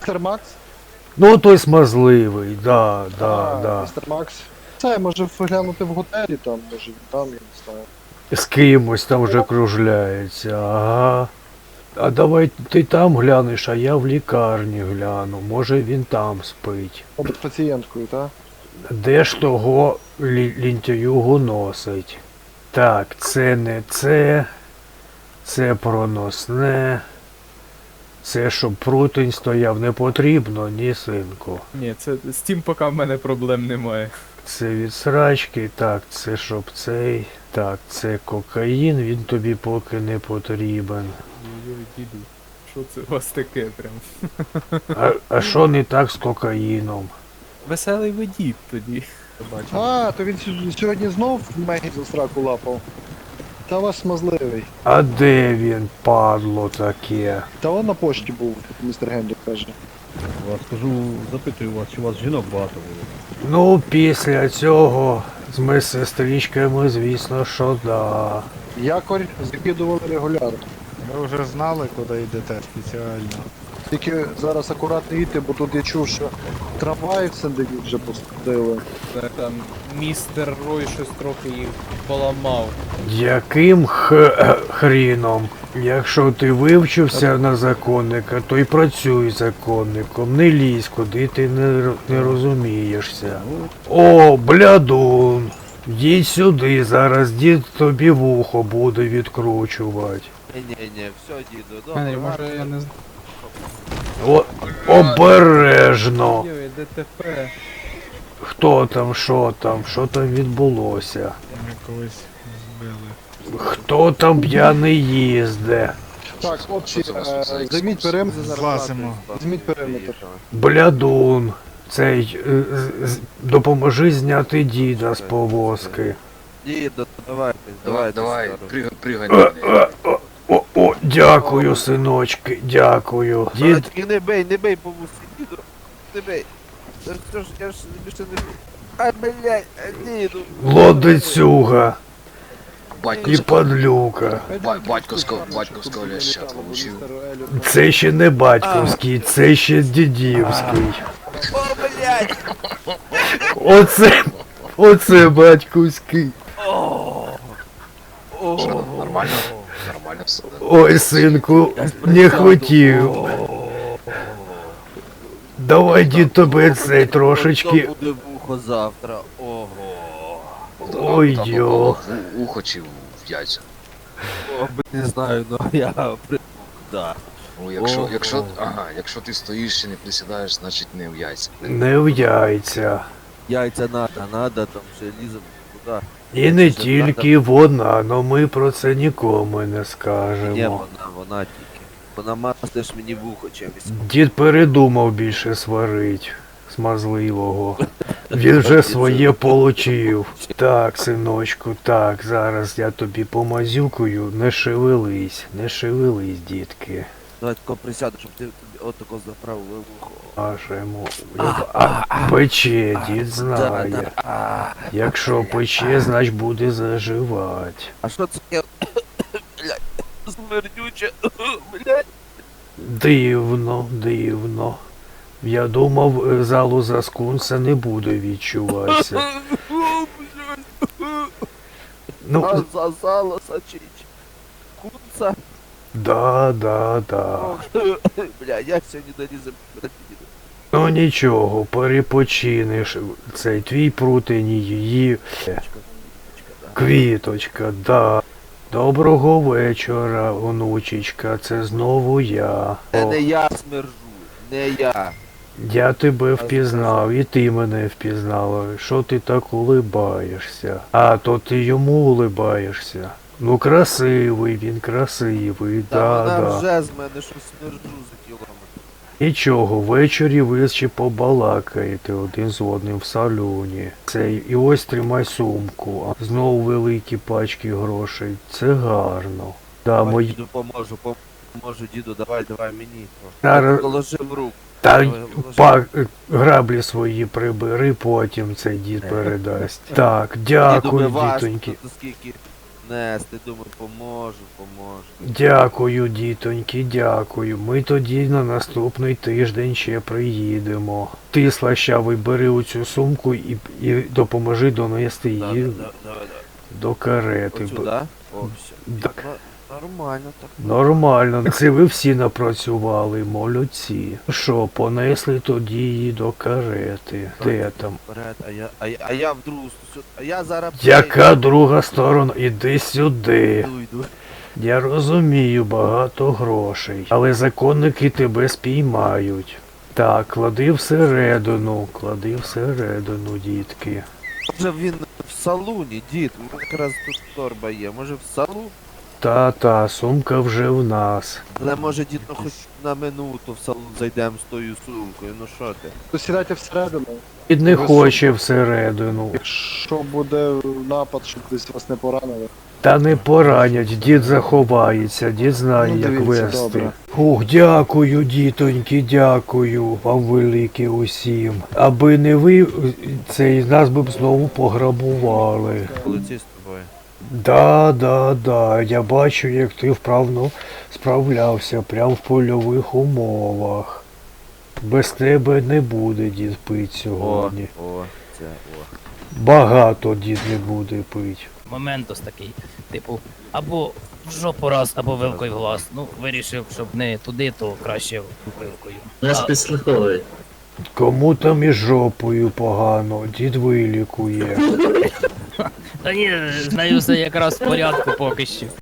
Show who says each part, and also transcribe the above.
Speaker 1: Містер Макс?
Speaker 2: Ну той смазливий, да.
Speaker 1: Містер Макс. Це, може глянути в готелі там, може він там, я не знаю.
Speaker 2: З кимось там вже кружляється, ага. А давай ти там глянеш, а я в лікарні гляну. Може він там спить.
Speaker 1: Мабуть, пацієнткою, так?
Speaker 2: Де ж того лінтяюгу носить? Так, це не це. Це проносне. Це щоб прутень стояв не потрібно, ні, синку.
Speaker 3: Ні, це з тим поки в мене проблем немає.
Speaker 2: Це від срачки, так, це щоб цей. Так, це кокаїн, він тобі поки не потрібен.
Speaker 3: Ой-ой, діду, що це у вас таке прям?
Speaker 2: А що не так з кокаїном?
Speaker 3: Веселий водій тоді.
Speaker 1: А, то він сьогодні знов Мегі за сраку лапав. Та вас смазливий.
Speaker 2: А де він, падло таке?
Speaker 1: Та он на пошті був, містер Генрі каже.
Speaker 4: Вас скажу, запитую вас, чи у вас жінок багато було?
Speaker 2: Ну, після цього з медсестричками, звісно, що да.
Speaker 1: Якорь закидували регулярно.
Speaker 5: Ви вже знали, куди йдете спеціально.
Speaker 1: Тільки зараз акуратно йти, бо тут я чув, що трамваї в Сен-Дені вже пустили.
Speaker 3: Там містер Рой щось трохи їх поламав.
Speaker 2: Яким хріном? Якщо ти вивчився на законника, то й працюй законником. Не лізь, куди ти не розумієшся. О, блядун! Їдь сюди, зараз дід тобі вухо буде відкручувати.
Speaker 6: Не, все, діду,
Speaker 3: Генрі,
Speaker 6: добре.
Speaker 3: може я не знаю.
Speaker 2: О, обережно!
Speaker 3: Ой, ДТП.
Speaker 2: Хто там, що там відбулося?
Speaker 5: Ми когось збили.
Speaker 2: Хто там п'яний їзде?
Speaker 1: Так, хлопці, займіть периметр.
Speaker 5: Злазимо.
Speaker 1: Візьміть периметр.
Speaker 2: Блядун, цей, допоможи зняти діда з повозки.
Speaker 6: Діду, давай,
Speaker 7: Давай,
Speaker 6: стару.
Speaker 7: пригай на мене.
Speaker 2: О, дякую, синочки, дякую.
Speaker 6: Дід...
Speaker 2: Дід,
Speaker 6: Тільки не бей по вусі, діду, не бей. Це ж я ж більше не бий. Ай, блядь, діду.
Speaker 2: лодицюга і
Speaker 7: Батько,
Speaker 2: падлюка.
Speaker 7: батьковського ляща получив.
Speaker 2: Це ще не батьківський, це ще дідівський.
Speaker 6: О, блядь.
Speaker 2: Оце батьківський.
Speaker 7: Нормально все.
Speaker 2: Ой, синку, не хотів. Давай, дід, тебе цей трошечки.
Speaker 6: Хто буде вухо завтра? Ого.
Speaker 2: Ой, йо.
Speaker 7: Ухо чи в яйця.
Speaker 6: О, не знаю, но я да.
Speaker 7: Ну, якщо ти стоїш і не присідаєш, значить не в яйця.
Speaker 2: Не в яйця.
Speaker 6: Яйця надо, там желізом, куди?
Speaker 2: І не тільки вона, но ми про це нікому не
Speaker 6: Ні,
Speaker 2: скажемо.
Speaker 6: вона тільки. Вона мастиш мені вухо чимось.
Speaker 2: Дід передумав більше сварить смазливого. Він вже своє получив. Так, синочку, так, зараз я тобі помазюкаю, не шевелись, дітки.
Speaker 6: Давай тако присяду, щоб ти отако заправив вухо.
Speaker 2: Нашому. Пече, дід знає. Якщо пече, значить буде заживати.
Speaker 6: А що це таке? Блядь, смердюче, блядь.
Speaker 2: Дивно. Я думав, залу за скунса не буде відчуватися. Ну,
Speaker 6: Засало сочить. Кунца.
Speaker 2: да.
Speaker 6: Бля, я сьогодні долізем.
Speaker 2: Ну нічого, перепочинеш. Цей твій прутень, її квіточка, да. Доброго вечора, онучечка, це знову я.
Speaker 6: Це
Speaker 2: О,
Speaker 6: не я смержу, не я.
Speaker 2: я тебе впізнав, і ти мене впізнала. Що ти так улибаєшся? А, то ти йому улибаєшся. Ну красивий він, красивий,
Speaker 6: Та вона
Speaker 2: да.
Speaker 6: вже з мене щось смержу за кілометр.
Speaker 2: Нічого, ввечері ви ще побалакаєте один з одним в салоні. Цей, і ось тримай сумку, а знову великі пачки грошей. Це гарно. Да,
Speaker 6: Давай,
Speaker 2: мої...
Speaker 6: діду, поможу, діду, давай мені.
Speaker 2: Зараз-
Speaker 6: Положи в руку.
Speaker 2: Та
Speaker 6: Давай, вложи.
Speaker 2: граблі свої прибери, потім цей дід передасть. Так,
Speaker 6: Діду,
Speaker 2: дякую,
Speaker 6: важко,
Speaker 2: дітоньки.
Speaker 6: тут скільки нести, думаю, поможу.
Speaker 2: Дякую, дітоньки, дякую. Ми тоді на наступний тиждень ще приїдемо. Ти, слащавий, бери оцю сумку і допоможи донести її до карети.
Speaker 6: Оцю, да? О, все.
Speaker 2: Так.
Speaker 6: Нормально так.
Speaker 2: Нормально, це ви всі напрацювали, молодці. Що, понесли тоді її до карети. Де там?
Speaker 6: Вперед, а я в другу сторону. А я зараз...
Speaker 2: Яка друга сторона? Іди сюди.
Speaker 6: Йду.
Speaker 2: Я розумію, багато грошей, але законники тебе спіймають. Так, клади всередину, дітки.
Speaker 6: Може він в салуні, дід, якраз тут торба є, може в салон?
Speaker 2: Та, сумка вже в нас.
Speaker 6: Але може дід, ну хоч на минуту в салон зайдемо з тою сумкою, ну що ти?
Speaker 1: То сідайте всередину.
Speaker 2: Дід не хоче всередину.
Speaker 1: Якщо буде напад, щоб десь вас не поранили.
Speaker 2: Та не поранять, дід заховається, дід знає,
Speaker 1: Ну,
Speaker 2: як
Speaker 1: дивіться,
Speaker 2: вести.
Speaker 1: добре.
Speaker 2: Ух, дякую, дітоньки, дякую вам велике усім. Аби не ви, цей нас би б знову пограбували.
Speaker 6: Поліцей з тобою.
Speaker 2: Да, я бачу, як ти вправно справлявся прямо в польових умовах. Без тебе не буде дід пить сьогодні.
Speaker 6: О.
Speaker 2: Багато дід не буде пить.
Speaker 8: Момент ось такий, типу, або в жопу раз, або вилкою в глаз. Ну, вирішив, щоб не туди, то краще вилкою.
Speaker 9: Нас підслуховують.
Speaker 2: Кому там із жопою погано, дід вилікує.
Speaker 8: Та ні, з нею все якраз в порядку поки що.